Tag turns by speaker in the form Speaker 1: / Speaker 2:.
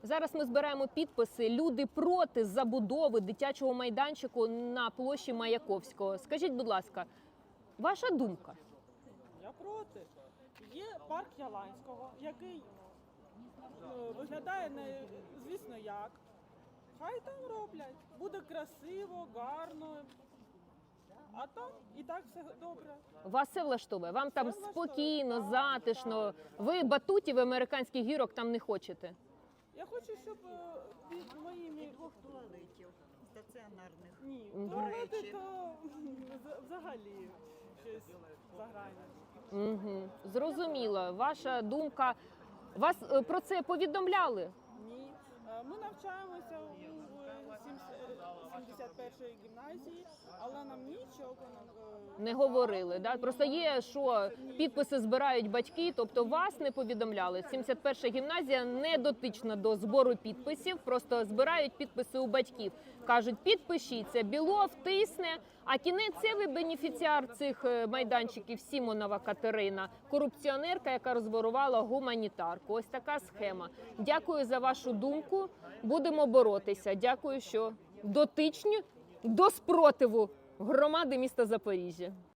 Speaker 1: Зараз ми збираємо підписи. Люди проти забудови дитячого майданчику на площі Маяковського. Скажіть, будь ласка, ваша думка?
Speaker 2: Я проти. Є парк Яланського, який виглядає не звісно як. Хай там роблять. Буде красиво, гарно. А там і так все добре.
Speaker 1: Вас все влаштовує? Вам там
Speaker 2: Все влаштовує.
Speaker 1: спокійно,
Speaker 2: Так,
Speaker 1: затишно. Ви батутів американських гірок там не хочете?
Speaker 2: Я хочу, щоб під моїми
Speaker 3: Двох туалетів стаціонарних.
Speaker 2: ні,
Speaker 3: До
Speaker 2: туалети
Speaker 3: речі.
Speaker 2: то взагалі щось загране.
Speaker 1: Угу. Зрозуміло. Ваша думка. Вас про це повідомляли?
Speaker 2: Ні. Ми навчаємося у 71-ї гімназії, але нам нічого
Speaker 1: Не говорили, да? Просто є, що підписи збирають батьки, тобто вас не повідомляли. 71-ша гімназія не дотична до збору підписів, просто збирають підписи у батьків. Кажуть, підпишіться, Білов тисне, а кінець це ви бенефіціар цих майданчиків Сімонова Катерина, корупціонерка, яка розворувала гуманітарку. Ось така схема. Дякую за вашу думку, будемо боротися. Дякую, що дотичні до спротиву громади міста Запоріжжя.